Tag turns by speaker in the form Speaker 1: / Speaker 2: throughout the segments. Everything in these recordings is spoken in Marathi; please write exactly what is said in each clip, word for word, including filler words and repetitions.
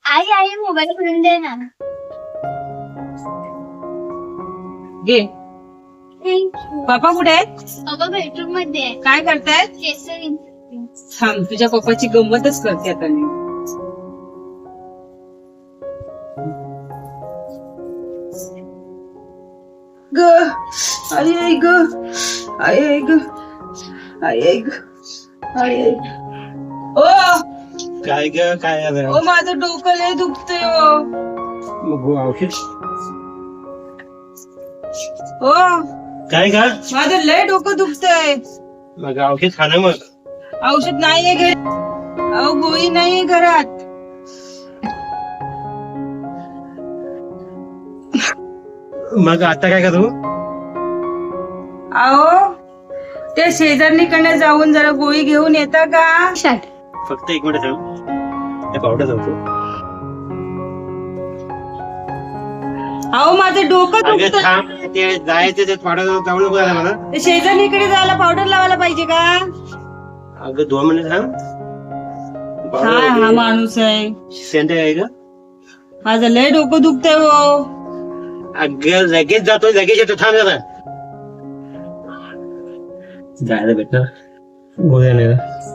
Speaker 1: आई आई मोबाईल खोलून दे ना.
Speaker 2: घे.
Speaker 1: थँक्यू.
Speaker 2: पप्पा कुठे आहेत?
Speaker 1: बाबा बेडरूम मध्ये आहे.
Speaker 2: काय करतायत?
Speaker 1: केस विंचरते.
Speaker 2: थांब, तुझ्या पप्पाची गंमतच करते आता मी. ग आई आई ग आई आई ग आई आई ग आई आई. ओ
Speaker 3: काय ग काय झालं?
Speaker 2: ओ माझं डोकं लय दुखतंय ओ.
Speaker 3: मग औषध
Speaker 2: ओ
Speaker 3: काय का?
Speaker 2: माझं लय डोकं दुखतंय.
Speaker 3: मग औषध खा ना मग.
Speaker 2: औषध नाहीये घरी. अहो गोळी नाहीये घरात.
Speaker 3: मग आता काय करू?
Speaker 2: अहो त्या शेजारणीकडे जाऊन जरा गोळी घेऊन येता का?
Speaker 3: फक्त एक मिनिट थांब, ते पावडर जाऊ.
Speaker 2: अहो माझं डोकं
Speaker 3: अगं
Speaker 2: दुखत.
Speaker 3: थांब, ते जायचं ते पावडर जाऊ नको झाला मला.
Speaker 2: ते शेजारणीकडे जायला पावडर लावायला पाहिजे का?
Speaker 3: अगं दोन मिनिट थांब.
Speaker 2: हा हा माणूस आहे.
Speaker 3: सेंटर आहे का?
Speaker 2: माझं लय डोकं दुखतंय हो.
Speaker 3: अगं लगेच जातो, लगेच येतो, थांब जरा. जायला भेटणार गोळ्या नाही.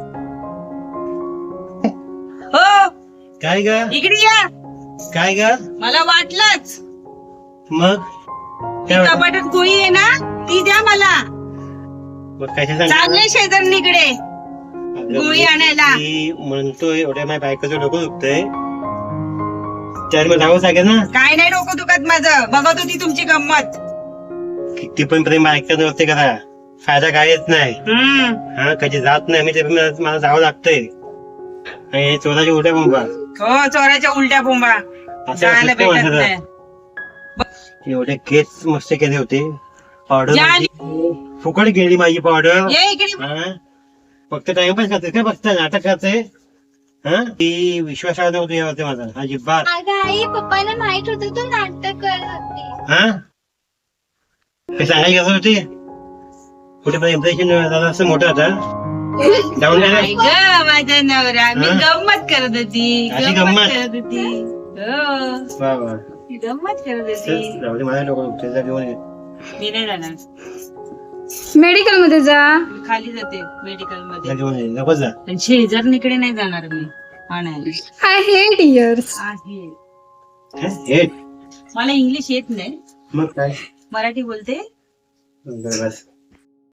Speaker 2: हो
Speaker 3: काय ग?
Speaker 2: इकडे या.
Speaker 3: काय ग?
Speaker 2: मला वाटलंच.
Speaker 3: मग
Speaker 2: ती
Speaker 3: काय वाटलं?
Speaker 2: कपाटात गोळी आहे ना, ती द्या मला.
Speaker 3: मग कशा सांग?
Speaker 2: चांगले शेजारणीकडे गोळी आणायला.
Speaker 3: म्हणतोय एवढ्या माझ्या बायकोचं डोकं दुखतंय, त्याला मग जावं लागेल ना.
Speaker 2: काय नाही डोकं दुखत माझं. बघत होती तुमची गंमत.
Speaker 3: किती पण प्रेम ऐकत नव्हते करा, फायदा काहीच नाही.
Speaker 2: हम्म
Speaker 3: हा कधी जात नाही मी, ते पण मला जावं लागतंय. आणि हे चोराची उड्या बोंबा
Speaker 2: हो चोराच्या उलट्या बोंबा जायला
Speaker 3: असं
Speaker 2: भेटत नाही.
Speaker 3: एवढे केस मस्त केले होते. पावडर
Speaker 2: ज्या-
Speaker 3: माझी फुकट गेली माझी पावडर.
Speaker 2: ये इकडे.
Speaker 3: हा फक्त टाइमपास करते काय, फक्त नाटक करते. हा ती विश्वासात नव्हती होते माझा अजिबात.
Speaker 1: अगं आई पप्पाला माहित होतं तू नाटक करत होती.
Speaker 3: हा हे सांगायची गरज होती? कुठे पण इम्प्रेशन झालं असं मोठं आता जाऊन
Speaker 2: आई
Speaker 3: गेलं.
Speaker 2: ग माझा नवरा. मी
Speaker 3: हा?
Speaker 2: गंमत करत होती.
Speaker 3: अशी
Speaker 2: गंमत
Speaker 3: गंमत?
Speaker 2: करत होती. हो
Speaker 3: वा वा
Speaker 2: ती गंमत करत
Speaker 3: चल,
Speaker 2: होती.
Speaker 3: जाऊ दे, माझ्या डोकं दुखतंय, जा घेऊन ये.
Speaker 2: मी नाही जाणार.
Speaker 4: मेडिकल मध्ये जा.
Speaker 2: मी खाली जाते मेडिकल
Speaker 3: जा
Speaker 2: मध्ये.
Speaker 3: घेऊन ये, नको जा.
Speaker 2: पण शेजारणीकडे नाही जाणार मी आणायला.
Speaker 4: I hate ears.
Speaker 2: आहे.
Speaker 3: हे
Speaker 2: मला इंग्लिश येत नाही,
Speaker 3: मग काय
Speaker 2: मराठी बोलते.
Speaker 3: बरं, बस.